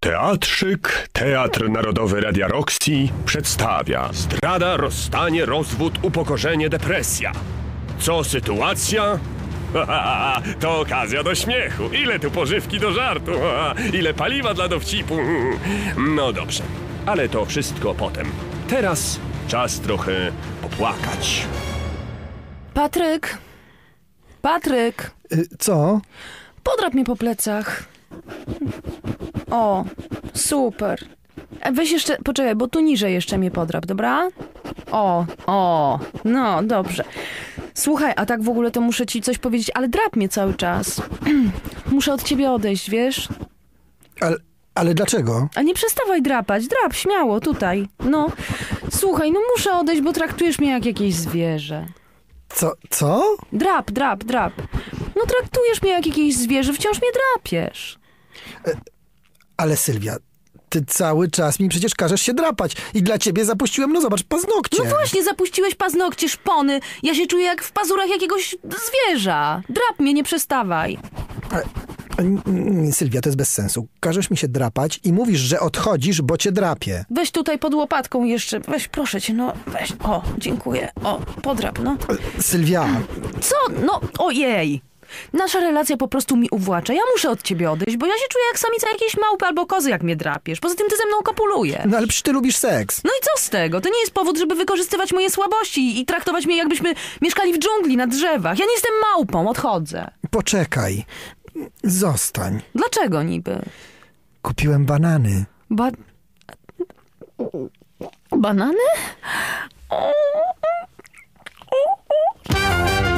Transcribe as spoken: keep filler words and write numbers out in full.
Teatrzyk, Teatr Narodowy Radia Roxy przedstawia zdrada, rozstanie, rozwód, upokorzenie, depresja. Co sytuacja? To okazja do śmiechu. Ile tu pożywki do żartu? Ile paliwa dla dowcipu? No dobrze, ale to wszystko potem. Teraz czas trochę popłakać. Patryk! Patryk! Y, co? Podrap mnie po plecach. O, super. E, Weź jeszcze, poczekaj, bo tu niżej jeszcze mnie podrap, dobra? O, o, no dobrze. Słuchaj, a tak w ogóle to muszę ci coś powiedzieć, ale drap mnie cały czas. Muszę od ciebie odejść, wiesz? Ale, ale dlaczego? A nie przestawaj drapać, drap, śmiało, tutaj. No, słuchaj, no muszę odejść, bo traktujesz mnie jak jakieś zwierzę. Co? Co? Drap, drap, drap. No traktujesz mnie jak jakieś zwierzę, wciąż mnie drapiesz. Ale Sylwia, ty cały czas mi przecież każesz się drapać. I dla ciebie zapuściłem, no zobacz, paznokcie. No właśnie, zapuściłeś paznokcie, szpony. Ja się czuję jak w pazurach jakiegoś zwierza. Drap mnie, nie przestawaj. Ale, n- n- Sylwia, to jest bez sensu. Każesz mi się drapać i mówisz, że odchodzisz, bo cię drapie. Weź tutaj pod łopatką jeszcze. Weź, proszę cię, no weź. O, dziękuję. O, podrap, no. Sylwia, Co? No, ojej. Nasza relacja po prostu mi uwłacza. Ja muszę od ciebie odejść, bo ja się czuję jak samica jakiejś małpy albo kozy, jak mnie drapiesz. Poza tym ty ze mną kopulujesz. no ale przecież ty lubisz seks. No i co z tego? To nie jest powód, żeby wykorzystywać moje słabości i traktować mnie, jakbyśmy mieszkali w dżungli, na drzewach. Ja nie jestem małpą, odchodzę. Poczekaj. Zostań. Dlaczego niby? Kupiłem banany. Ba... Banany?